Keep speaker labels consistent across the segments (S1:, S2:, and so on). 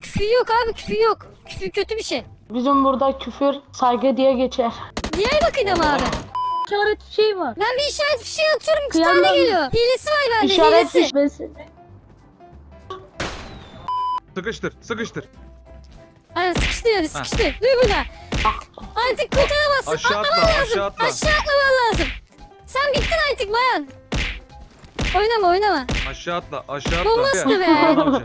S1: Küfür yok abi, küfür yok. Küfür kötü bir şey.
S2: Bizim burada küfür saygı diye geçer.
S1: Diyarbakır'da mı abi?
S3: İşaret şey var.
S1: Ben bir işaret fişeği atıyorum, 2
S3: Kıyamam.
S1: tane geliyor. Hilesi var bende,
S2: İşaret
S1: hilesi.
S4: Sıkıştır, sıkıştır.
S1: Aynen sıkıştı yani, sıkıştı. Duy burada. Artık kurtaramazsın,
S4: Aşağı atla,
S1: atlaman lazım.
S4: aşağı atla.
S1: Aşağı atlaman lazım. Sen bittin artık bayan. Oynama, oynama.
S4: Aşağı atla, aşağı
S1: Bu
S4: atla.
S1: nasıl
S4: Gel,
S1: be?
S4: Orhan amca.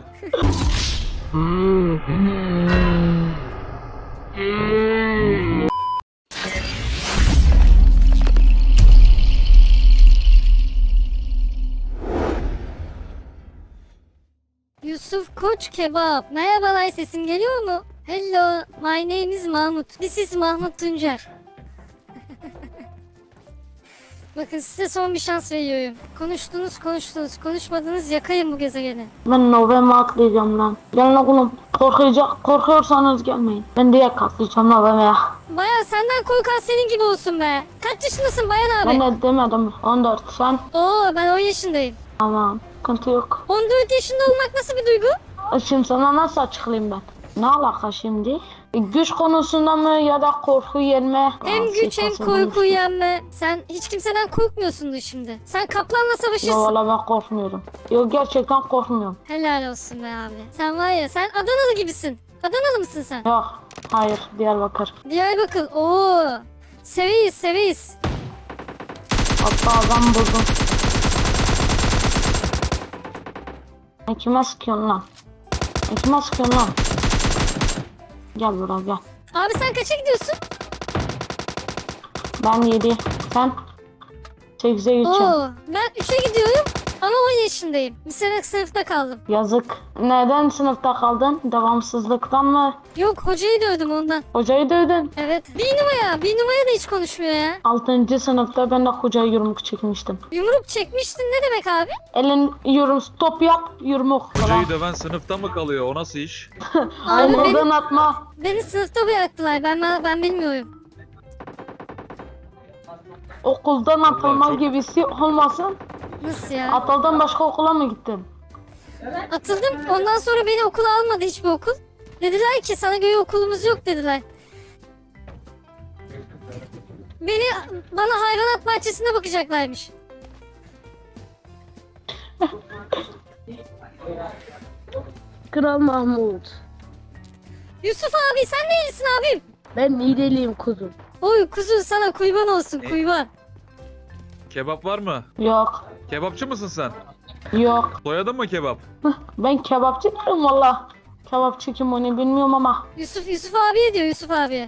S1: Yusuf Koç Kebap. Merhabalar, sesim geliyor mu? Hello, my name is Mahmut. This is Mahmut Tuncer. Bakın size son bir şans veriyorum. Konuştunuz, konuşmadınız, yakayım bu gezegeni.
S2: Ben Novem'e atlayacağım lan. Gelin oğlum. Korkuyorsanız gelmeyin. Ben direkt atlayacağım Novem'e.
S1: Bayan senden korkan senin gibi olsun be. Kaç yaşındasın Bayan abi?
S2: Ben de demedim. 14 sen.
S1: Oo, ben 10 yaşındayım.
S2: Tamam. Sıkıntı yok.
S1: 14 yaşında olmak nasıl bir duygu?
S2: Şimdi sana nasıl açıklayayım ben? Ne alaka şimdi? Güç konusunda mı ya da korku yenme?
S1: Hem güç hem korku yenme. Sen hiç kimseden korkmuyorsundur şimdi. Sen kaplanla
S2: Yok
S1: savaşırsın.
S2: valla ben korkmuyorum. Yok gerçekten korkmuyorum.
S1: Helal olsun be abi. Sen var ya, sen Adanalı gibisin. Adanalı mısın sen?
S2: Yok. Hayır. Diyarbakır.
S1: Diyarbakır. Oo. Seveyiz, seveyiz.
S2: Hatta adam buldum. Kime sıkıyorsun lan? Kime sıkıyorsun lan? Gel buraya gel.
S1: Abi sen kaça gidiyorsun?
S2: Ben 7. Sen? 8'e geçeceğim.
S1: Oo. Ben 3'e gidiyorum ama 10 yaşındayım. Bir sene sınıfta kaldım.
S2: Yazık. Neden sınıfta kaldın? Devamsızlıktan mı?
S1: Yok, hocayı dövdüm ondan.
S2: Hocayı dövdün.
S1: Evet. Bir numara da hiç konuşmuyor ya.
S2: 6. sınıfta ben de hocaya yumruk çekmiştim.
S1: Yumruk çekmiştin ne demek abi?
S2: Elin top yap, yumruk.
S4: Hocayı döven sınıfta mı kalıyor? O nasıl iş?
S1: Abi
S2: Okuldan atma.
S1: beni sınıfta bıraktılar. Ben bilmiyorum.
S2: Okuldan atılma
S4: çok-
S2: gibisi olmasın.
S1: Nasıl ya?
S2: Atıldan başka okula mı gittin?
S1: Atıldım. Ondan sonra beni okula almadı hiçbir okul. Dediler ki sana göre okulumuz yok dediler. Bana hayvanat bahçesinde bakacaklarmış.
S3: Kral Mahmut.
S1: Yusuf abi sen neylisin abim?
S3: Ben Niğdeliyim kuzum.
S1: Oy kuzu sana kurban olsun kurban.
S4: Kebap var mı?
S2: Yok.
S4: Kebapçı mısın sen?
S2: Yok.
S4: Soyadın mı kebap?
S2: Ben kebapçı değilim valla. Kebapçı kim onu bilmiyorum ama.
S1: Yusuf abiye diyor Yusuf abiye.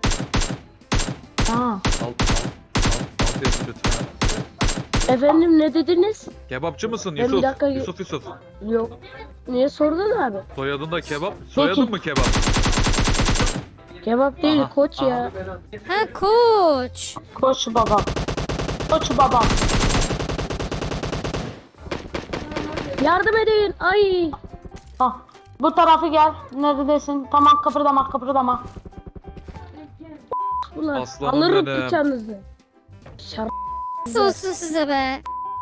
S2: Ha.
S4: Alt yazı lütfen.
S3: Efendim ne dediniz?
S4: Kebapçı mısın
S3: Ben bir
S4: Yusuf?
S3: dakika-
S4: Yusuf.
S3: Yok. Niye sordun abi?
S4: Soyadın da kebap. Soyadın mı kebap?
S3: Kebap değil
S4: Aha,
S3: koç
S4: aha.
S3: ya.
S1: Ha koç.
S2: Koç baba. Koç baba.
S3: Yardım edin. Ay.
S2: Ha. Bu tarafı gel. Neredesin? Tamam kıpırdama.
S3: Ulan
S4: Aslanım
S3: alırım
S4: benim.
S3: bıçağınızı. Şar
S1: Nasıl olsun size be?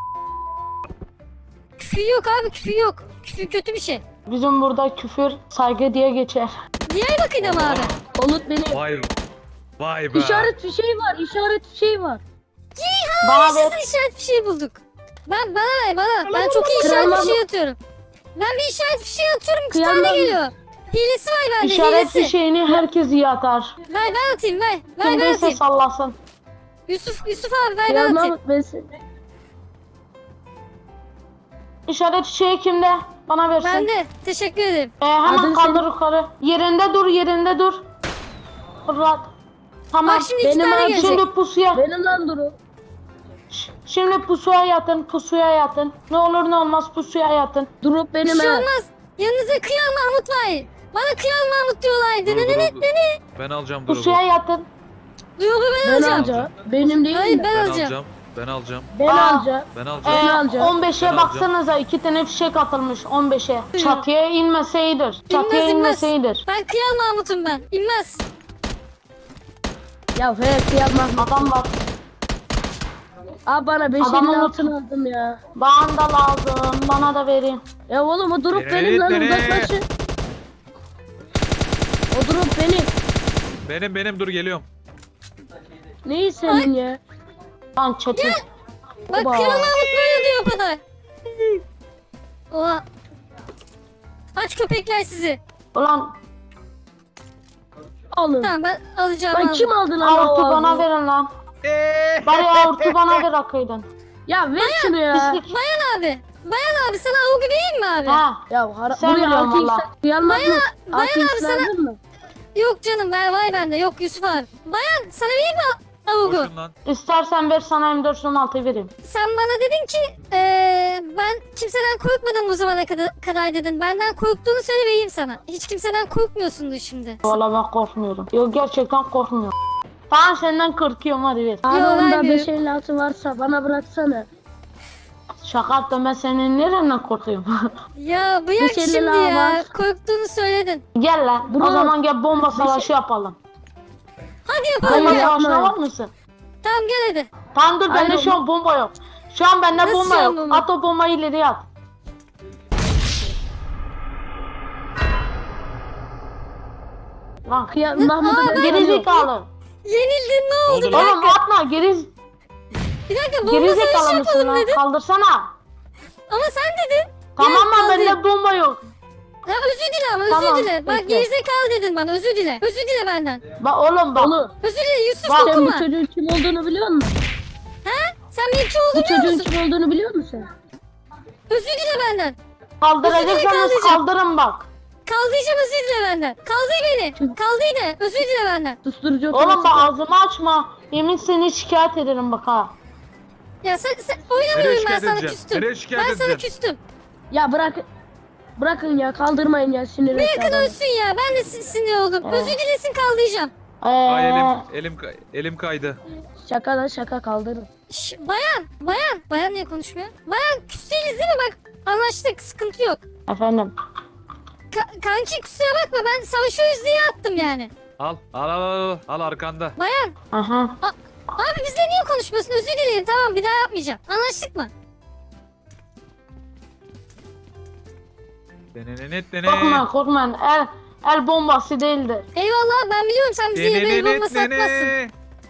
S1: Küfür yok abi, küfür yok. Küfür kötü bir şey.
S2: Bizim burada küfür saygı diye geçer.
S1: Diyarbakır'da mı abi?
S3: Olut beni.
S4: Vay be.
S3: İşaret fişeği var. İşaret fişeği var.
S2: Bana ver.
S1: Size işaret fişeği bulduk. Bana ver bana. Ben çok iyi işaret
S3: Kıyamam.
S1: fişeği atıyorum. Ben bir işaret fişeği atıyorum, 2 tane
S3: Kıyamam.
S1: geliyor. Hilesi var bende,
S2: İşaret
S1: hilesi.
S2: fişeğini herkes iyi atar.
S1: Ver ben atayım, ver. Ver ben
S2: Kimdeyse
S1: atayım.
S2: sallasın.
S1: Yusuf abi ver
S3: Kral
S1: ben atayım.
S3: Mahmut ben seni.
S2: İşaret fişeği kimde? Bana versin.
S1: Ben de. Teşekkür ederim.
S2: Hemen
S3: Adın
S2: kaldır
S3: senin-
S2: yukarı. Yerinde dur. Rahat. Tamam.
S1: Bak şimdi 2
S3: benim
S1: tane
S3: abi,
S1: gelecek.
S2: Şimdi pusuya.
S3: Benim lan duru.
S2: Şimdi pusuya yatın. Ne olur ne olmaz pusuya yatın.
S3: Durup
S1: Bir
S3: benim
S1: şey
S3: ha.
S1: olmaz. Yanınızda Kıyal Mahmut var. Bana Kıyal Mahmut diyorlar.
S4: Dur,
S1: Dene
S4: dur.
S1: dene.
S4: Ben alacağım durumu.
S2: Pusuya yatın.
S1: Duyuyor mu ben
S3: Ben
S1: alacağım.
S3: alacağım. Benim değil
S1: Hayır
S3: mi?
S1: ben
S4: Ben
S1: alacağım.
S4: alacağım. Ben alacağım.
S3: Ben
S2: Aa.
S3: alacağım.
S4: Ben alacağım.
S3: alacağım.
S2: 15'e
S4: Ben
S2: baksanıza 2 tane fişek atılmış 15'e. Çatıya inmeseydir. Çatıya
S1: İnmez.
S2: inmeseydir.
S1: Ben Kıyal Mahmut'um ben. İnmez.
S3: Ya he yapma.
S2: Adam var.
S3: Abi bana 5
S2: Adamın
S3: elin
S2: notu-
S3: altın aldım ya.
S2: Bana da lazım. Bana da verin.
S3: Ya oğlum o durup
S4: Beni,
S3: benim lan
S4: beni.
S3: uzaklaşın. O drop benim.
S4: Benim dur geliyorum.
S3: Neyi senin ya?
S2: Lan çetin.
S1: Bak
S3: Oba.
S1: Kral Mahmut böyle diyor o kadar. Oha. Aç köpekler sizi.
S2: Ulan
S3: Alın.
S1: Tamam ben alacağım.
S3: Lan
S1: aldım.
S3: kim aldı lan
S2: avurtu
S3: o
S2: bana
S3: ağzı?
S2: verin lan. Bari avurtu bana ver akıydın.
S3: Ya ver şunu ya.
S2: Pislik.
S1: Bayan abi. Bayan abi sana avugu vereyim mi abi?
S2: Ha.
S3: Ya
S2: Sen
S3: buraya
S2: biliyorsun
S3: 6x
S2: valla.
S3: uyanmaz mı?
S1: Bayan
S3: 6x
S1: abi sana-
S3: lazım mı?
S1: Yok canım var bende. Yok Yusuf abi. Bayan sana vereyim mi avugu?
S4: Koşun lan.
S2: İstersen ver sana M416 vereyim.
S1: Sen bana dedin ki ben kimseden korkmadım bu zamana kadar dedin. Benden korktuğunu söyle vereyim sana. Hiç kimseden korkmuyorsundur şimdi.
S2: Valla ben korkmuyorum. Yok gerçekten korkmuyorum. Ben senden korkuyorum hadi ver.
S3: Abi
S1: Yo,
S3: onda
S1: vermiyorum.
S3: 556 varsa bana bıraksana.
S2: Şaka yaptım ben senin nereden korkuyorum?
S1: Ya bırak
S3: Bir şeyler
S1: şimdi
S3: daha
S1: ya.
S3: var.
S1: Korktuğunu söyledin.
S2: Gel lan.
S3: Bro.
S2: O zaman gel bomba savaşı yapalım.
S1: Hadi yapalım
S2: Bomba
S3: Hayır,
S1: ya.
S2: savaşına
S3: yapma.
S2: var mısın?
S1: Tamam gel hadi.
S2: Tamam dur bende
S3: Hayır,
S2: şu an bomba yok. Şu an bende
S1: Nasıl
S2: bomba
S1: şu an
S2: yok.
S1: bomba?
S2: At o bombayı ileriye at. Lan
S3: Mahmut'a ben
S2: geri
S3: güveniyorum.
S2: zekalı.
S1: Yenildin ne oldu?
S4: Oldu lan.
S2: Oğlum atma geri
S1: Bir dakika bomba
S2: geri
S1: savaşı
S2: zekalı mısın
S1: yapalım
S2: lan?
S1: dedin.
S2: Kaldırsana.
S1: Ama sen dedin.
S2: Tamam mı
S1: kaldır.
S2: bende bomba yok.
S1: Ya özür dile ama özür
S2: Tamam,
S1: dile. Bak
S2: bekle.
S1: gerizekalı dedin bana özür dile. Özür dile benden.
S2: Bak oğlum bak.
S3: Oğlum
S1: Özür dile Yusuf
S2: Bak,
S3: sen bu
S1: okuma.
S3: çocuğun kim olduğunu biliyor musun?
S1: Sen benim kim
S3: Bu
S1: olduğumu biliyor
S3: çocuğun
S1: musun?
S3: kim olduğunu biliyor musun sen?
S1: Özür dile benden.
S2: Kaldıracaksanız
S1: kaldıracağım.
S2: kaldırın bak.
S1: Kaldıracağım özür dile benden. Kaldır beni. Kaldır de özür dile benden.
S3: Susturucu
S2: Oğlum bak
S3: otomatik.
S2: ağzımı açma. Yemin seni şikayet ederim bak ha.
S1: Ya sen
S4: Nereye
S1: oynamıyorum ben
S4: şikayet
S1: sana
S4: edeceksin?
S1: küstüm.
S4: Nereye şikayet
S1: Ben sana
S4: edeceksin?
S1: küstüm.
S3: Ya bırakın ya kaldırmayın ya sinir etti
S1: Yakın
S3: adamı.
S1: ölsün ya ben de sinir oldum.
S2: Evet.
S1: Özür dilesin kaldıracağım.
S4: Ay
S2: Ee,
S4: elim kaydı.
S3: Şaka da şaka kaldırın.
S1: Bayan niye konuşmuyor? Bayan küs değiliz değil mi bak anlaştık sıkıntı yok.
S2: efendim.
S1: Kanki kusura bakma ben savaşıyoruz diye attım yani.
S4: Al arkanda.
S1: Bayan
S2: Aha.
S1: abi bizle niye konuşmuyorsun özür dilerim tamam bir daha yapmayacağım. Anlaştık mı?
S2: Korkmayın korkmayın. El bombası değildir.
S1: Eyvallah ben biliyorum sen bize yemeği bombası atmazsın.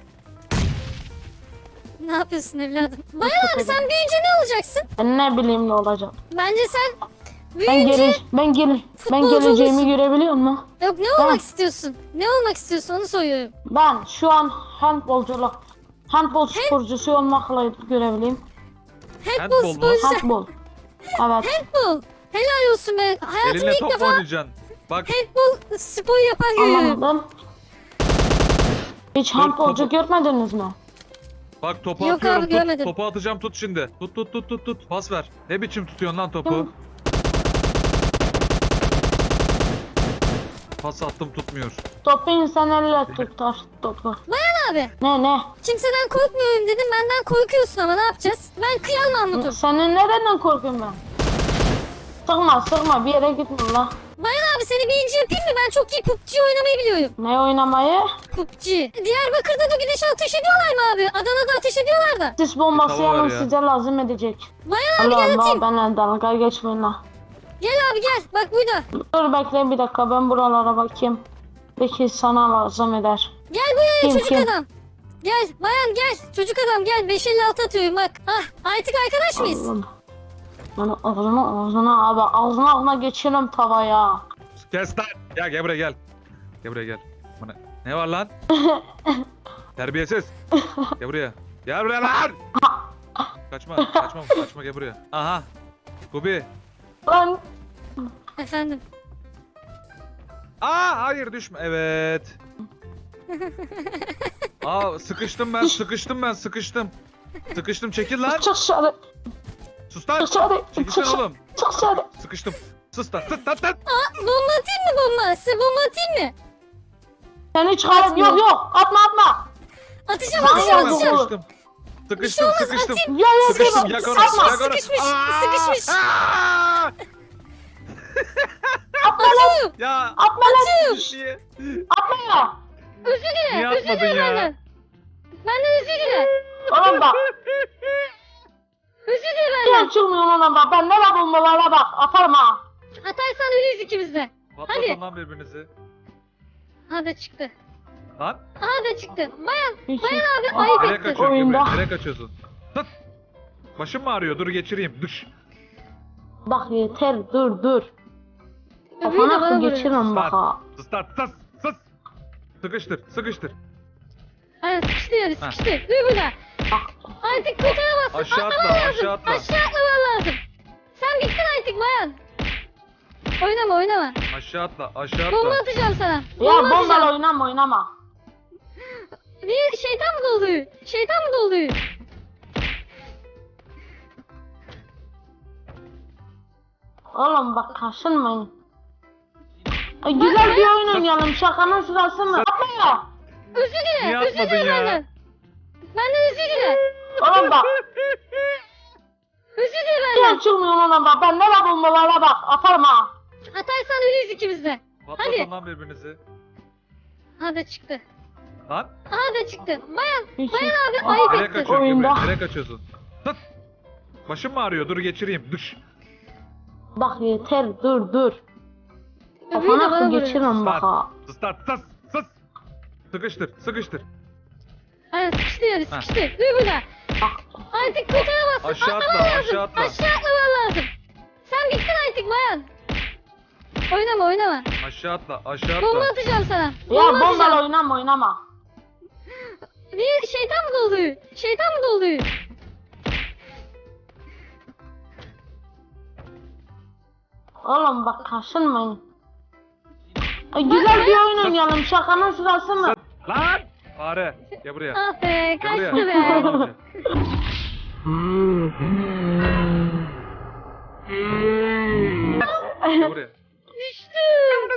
S1: Ne yapıyorsun evladım? Bayan abi sen büyüyünce ne olacaksın?
S2: Ben ne bileyim ne olacak.
S1: Bence sen
S2: Ben
S1: büyüyünce...
S2: ben geleceğimi görebiliyor musun?
S1: Yok ne olmak istiyorsun? Ne olmak istiyorsun onu soruyorum.
S2: Ben şu an handbol sporcusu olmakla görebileyim.
S1: Handball
S4: Handball mu?
S1: sporcusu.
S2: Handbol. Evet.
S1: Handball. Helal olsun be. Hayatımda
S4: Elinle
S1: ilk
S4: top mu
S1: defa
S4: oynayacaksın? Bak
S1: handball sporu yapan görüyorum.
S2: Anlamadım. Hiç handbolcu görmediniz mi?
S4: bak topu
S1: Yok
S4: atıyorum
S1: abi,
S4: tut.
S1: görmedim.
S4: Topu atacağım tut şimdi. Tut. Pas ver. Ne biçim tutuyorsun lan topu?
S2: Tamam.
S4: Pas attım tutmuyor.
S2: Topu insan elle tutar topu.
S1: Abi
S2: Ne?
S1: kimseden korkmuyorum dedim benden korkuyorsun ama ne yapacağız? Ben kıyal Mahmut'um.
S2: Senin nereden korkuyorum ben? Sıkma bir yere gitme la.
S1: Bayan abi seni birinci yapayım mı? Ben çok iyi PUBG oynamayı biliyorum.
S2: Ne oynamayı?
S1: PUBG. Diyarbakır'da da güneş ateş ediyorlar mı abi? Adana'da ateş ediyorlar da.
S2: Sis bombası
S4: Tamam,
S2: yalnız
S4: ver ya.
S2: size lazım edecek.
S1: Bayan abi gel
S2: Allah'ım
S1: atayım.
S2: benimle dalga geçmeyin la.
S1: Gel abi gel. Bak burada.
S2: Dur bekle bir dakika ben buralara bakayım. Belki sana lazım eder.
S1: Gel buraya
S2: Kim,
S1: çocuk
S2: kim?
S1: adam. Gel bayan gel. Çocuk adam gel. 556 atıyorum bak. Ah artık arkadaş mıyız?
S2: Allah'ım. Ben ağzına geçirim tavaya.
S4: Kes lan. Ya gel buraya gel. Gel buraya gel. Bana... Ne var lan? Terbiyesiz. Gel buraya. Gel buraya lan. Kaçma gel buraya. Aha. Kubi.
S2: Lan
S1: Efendim.
S4: Hayır düşme. Evet. Sıkıştım ben. Sıkıştım çekil lan.
S2: çık dışarı.
S4: Sus lan.
S2: Dışarı.
S4: Çekilsene oğlum.
S2: Çık dışarı.
S4: Sıkıştım. Sus lan.
S1: Bomba atayım mı bomba? Size bomba atayım mı?
S2: Seni çıkarım.
S1: Atmıyor.
S2: Yok atma.
S1: Atacağım
S2: Lan
S1: atacağım
S2: ya,
S1: atacağım.
S2: bu-
S4: Sıkıştım. Sıkıştım.
S2: Ya
S4: Sıkıştım. Yak onu.
S2: Atma.
S4: Yak onu.
S1: Sıkışmış,
S4: Aa!
S1: sıkışmış.
S4: Aa!
S1: Atıyorum.
S4: Ya.
S2: Atma lan.
S4: Niye?
S2: Atma ya.
S1: Özür dile.
S4: Niye
S1: Özür
S4: atmadın
S1: dile
S4: ya?
S1: benden. Benden özür dile.
S2: Oğlum bak.
S1: Özür dile
S2: Niye
S1: benden.
S2: çıkmıyorsun oğlum bak. Ben ne var bombalara bak. Atarım ha.
S1: Atarsan ölüyüz ikimiz de.
S4: Patlatın lan birbirinizi.
S1: Ha da çıktı.
S4: Lan
S1: Ha da çıktı. Bayan
S2: Hiç-
S1: abi
S2: Ah,
S1: ayıp
S4: nereye
S1: etti.
S4: kaçıyorsun
S2: Oyunda.
S4: Gebre? Nereye kaçıyorsun? Tut. Başım mı ağrıyor? Dur geçireyim. Düş.
S2: Bak yeter dur dur.
S1: Öbürü de
S2: Kafana
S1: bana
S2: akıl
S1: vuruyor.
S2: geçiririm bak ha.
S4: Sus lan sus sus. Sıkıştır sıkıştır.
S1: Aynen sıkıştı yani sıkıştı. Dur burada.
S2: Bak
S1: Artık kurtaramazsın.
S4: Aşağı atla,
S1: Atlaman lazım.
S4: aşağı atla.
S1: Aşağı atlaman lazım. Sen bittin artık bayan. Oynama oynama.
S4: Aşağı atla aşağı
S1: Bomba
S4: atla.
S1: atacağım sana.
S2: ya
S1: Bomba atacağım.
S2: bombalı oynama.
S1: Bir şeytan mı doluyor? Şeytan mı doluyor?
S2: Oğlum bak kaşınmayın. Güzel bir oyun oynayalım. Şakanın sırası mı? Yapma ya.
S1: Özür dile.
S4: Niye
S1: Özür
S4: atmadın
S1: dile
S4: ya?
S1: benden. Benden özür dile.
S2: Oğlum bak.
S1: Özür dile
S2: Niye
S1: benden.
S2: çıkmıyorsun oğlum bak. Bende var bombalara bak. Atarım ha.
S1: Atarsan ölüyüz ikimiz de.
S4: Patlatın
S1: Hadi.
S4: lan birbirinizi.
S1: Ha da çıktı.
S4: Lan
S1: Ha da çıktı. Bayan.
S2: Hiç-
S1: Bayan abi
S2: Ah,
S1: ayıp
S4: nereye
S1: etti.
S4: kaçıyorsun
S2: Oyunda.
S4: Gebre? Nereye kaçıyorsun? Tut. Başım mı ağrıyor? Dur geçireyim. Düş.
S2: Bak yeter dur dur.
S1: Öbürü de
S2: Kafana
S1: bana
S2: akıl
S1: vuruyor.
S2: geçiririm bak ha.
S4: Sus lan sus sus. Sıkıştır sıkıştır.
S1: Aynen sıkıştı yani sıkıştı. Dur burada.
S2: Bak
S1: Artık kurtaramazsın.
S4: Aşağı atla,
S1: Atlaman lazım.
S4: aşağı atla.
S1: Aşağı atlaman lazım. Sen bittin artık bayan. Oynama oynama.
S4: Aşağı atla aşağı
S1: Bomba
S4: atla.
S1: atacağım sana.
S2: ya
S1: Bomba atacağım.
S2: bombalı oynama.
S1: Bir şeytan mı doluyor? Şeytan mı doluyor?
S2: Oğlum bak kaşınmayın. Güzel bir oyun oynayalım. Şakanın sırası mı?
S4: Lan. Fare. Gel buraya.
S1: Ah be
S4: Gel
S1: kaçtı
S4: buraya.
S1: be.
S4: Baran amca. Gel buraya.
S1: Düştüm.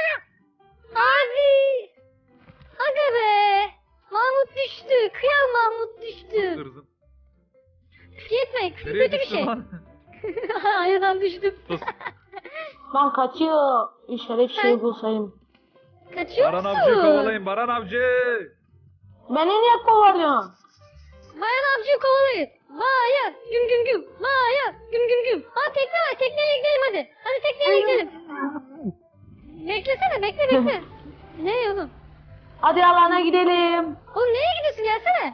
S1: Abi. Aga be. Mahmut düştü. Kıyam Mahmut düştü.
S4: Kırzım.
S1: Yetme. Küfür
S4: Nereye
S1: kötü bir
S4: düştün
S1: şey.
S4: lan?
S1: Ayadan düştüm.
S4: Sus.
S2: Ben kaçıyor. İşaret şey bulsayım.
S1: Kaçıyor
S4: Baran
S1: musun?
S4: avcıyı kovalayın Baran avcı.
S2: Beni niye kovalıyorsun?
S1: Bayan avcıyı kovalayın. Bayan. Güm güm güm. Bayan. Güm güm güm. Ha tekne var. Tekneye gidelim hadi. Hadi tekneye gidelim. Beklesene bekle. Ne oğlum?
S2: Hadi alana gidelim.
S1: Oğlum nereye gidiyorsun gelsene.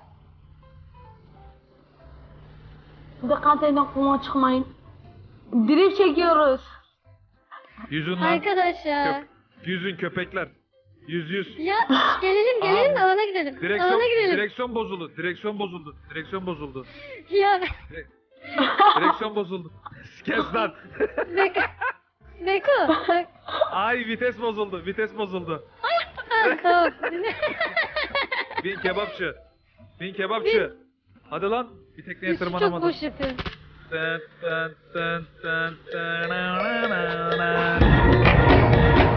S2: Dikkat edin kuma çıkmayın. Drift çekiyoruz.
S4: Yüzün lan.
S1: Arkadaşlar.
S4: Yüzün köpekler. Yüz.
S1: Ya gelelim de alana gidelim.
S4: Direksiyon,
S1: Alana gidelim.
S4: direksiyon bozuldu. Direksiyon bozuldu. Direksiyon bozuldu.
S1: Ya
S4: Direksiyon bozuldu. Kes lan.
S1: Beko. Bak.
S4: Ay vites bozuldu. Vites bozuldu.
S1: Ha, tamam.
S4: Bin kebapçı. Bin kebapçı. Hadi lan. Bir tekneye
S1: Çok
S4: tırmanamadın.
S1: boş yapıyorum.
S4: Tın tın tın tın tın na na na.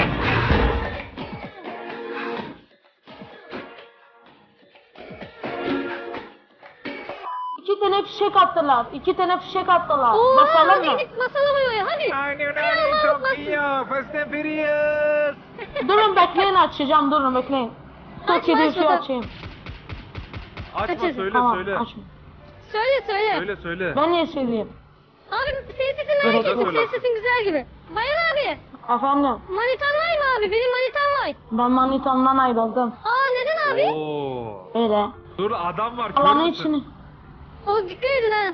S2: İki tane fişek attılar.
S1: Oo,
S2: Basalım
S1: hadi
S2: mı?
S1: gidip basalım oraya hadi.
S4: Aynen öyle çok iyi ya. Fast and Furious.
S2: Durun bekleyin açacağım durun bekleyin.
S1: Açma,
S2: Tokyo
S1: açma,
S2: şey
S1: tamam.
S2: açayım.
S4: Açma
S1: Kaçırdım.
S4: söyle
S2: Tamam
S4: söyle.
S2: açma.
S1: Söyle.
S4: Söyle.
S2: Ben niye söyleyeyim?
S1: Abi senin sesin
S2: Evet,
S1: merak ettim.
S4: söyle.
S1: Senin sesin güzel gibi. Bayan abi.
S2: Efendim
S1: Manitan var mı abi? Benim manitam var.
S2: ben manitamdan ayrıldım.
S1: Aa neden abi?
S4: Oo.
S2: Öyle.
S4: Dur adam var. Kör
S2: Alanın
S4: müsün?
S2: içini.
S1: O dikkat edin ha.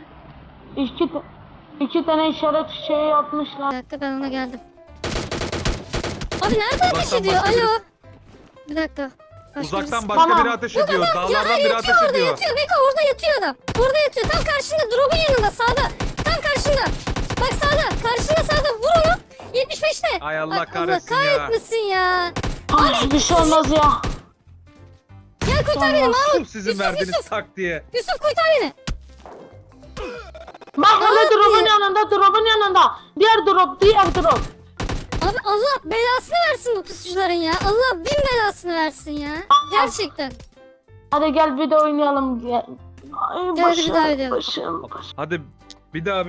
S2: İki tane işaret şey yapmışlar.
S1: Bir dakika ben ona geldim. Abi nerede ateş
S4: Uzaktan
S1: ediyor?
S4: başka
S1: Alo.
S4: biri-
S1: Bir dakika. Başka
S4: Uzaktan
S1: birisi-
S4: başka
S2: Tamam.
S4: biri ateş
S1: Yok
S4: ediyor.
S1: adam,
S4: Dağlardan
S1: ya,
S4: biri
S1: yatıyor
S4: ateş
S1: orada
S4: ediyor.
S1: yatıyor. Beko orada yatıyor adam. Orada yatıyor. Tam karşında. Drop'un yanında sağda. Tam karşında. Bak sağda. Karşında sağda. Vur onu. 75'te.
S4: Ay Allah
S1: Bak,
S4: kahretsin
S1: Allah
S4: ya.
S1: kahretmesin ya.
S2: Ay bir şey olmaz ya.
S1: Gel kurtar beni Mahmut.
S4: Sırf sizin
S1: Yusuf,
S4: verdiğiniz
S1: Yusuf.
S4: tak diye.
S1: Yusuf kurtar beni.
S2: Bak
S1: Abi.
S2: öyle drop'un yanında. Diğer drop.
S1: Abi Allah belasını versin bu pusucuların ya. Allah bin belasını versin ya. Gerçekten.
S2: Hadi gel bir de oynayalım. Gel. Ay
S1: Gel hadi bir daha oynayalım.
S2: başım.
S4: Hadi bir daha.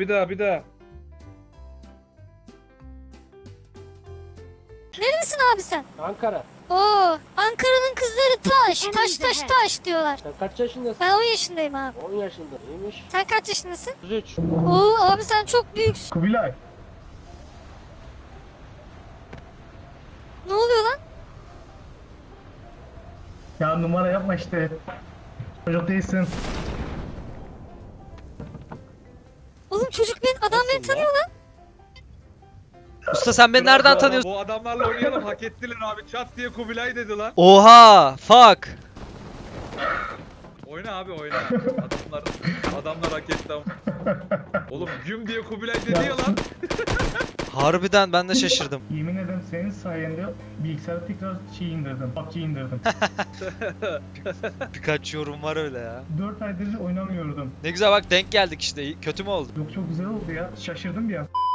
S1: Neredesin abi sen?
S3: Ankara.
S1: Oo, Ankara'nın kızları taş diyorlar.
S3: Sen kaç yaşındasın?
S1: Ben 10 yaşındayım abi.
S3: 10 yaşında. İyiymiş.
S1: Sen kaç yaşındasın?
S3: 33.
S1: Oo abi sen çok büyüksün.
S4: Kubilay.
S1: Ne oluyor lan?
S5: Ya numara yapma işte. Çocuk değilsin.
S1: Oğlum çocuk adam beni
S4: Nasıl lan?
S1: tanıyor lan.
S6: Usta sen beni
S4: Kral
S6: nereden
S4: bu
S6: tanıyorsun?
S4: Bu adamlarla oynayalım, hak ettiler abi. Çat diye Kubilay dedi lan.
S6: Oha! Fuck!
S4: Oyna abi oyna. Adamlar hak etti ama. Oğlum güm diye Kubilay dedi ya lan.
S6: Harbiden ben de şaşırdım.
S5: Yemin ederim senin sayende bilgisayara tekrar indirdim. PUBG indirdim.
S6: Birkaç yorum var öyle ya.
S5: 4 aydır oynamıyordum.
S6: Ne güzel bak denk geldik işte. Kötü mü oldu?
S5: Yok çok güzel oldu ya. Şaşırdım bir an.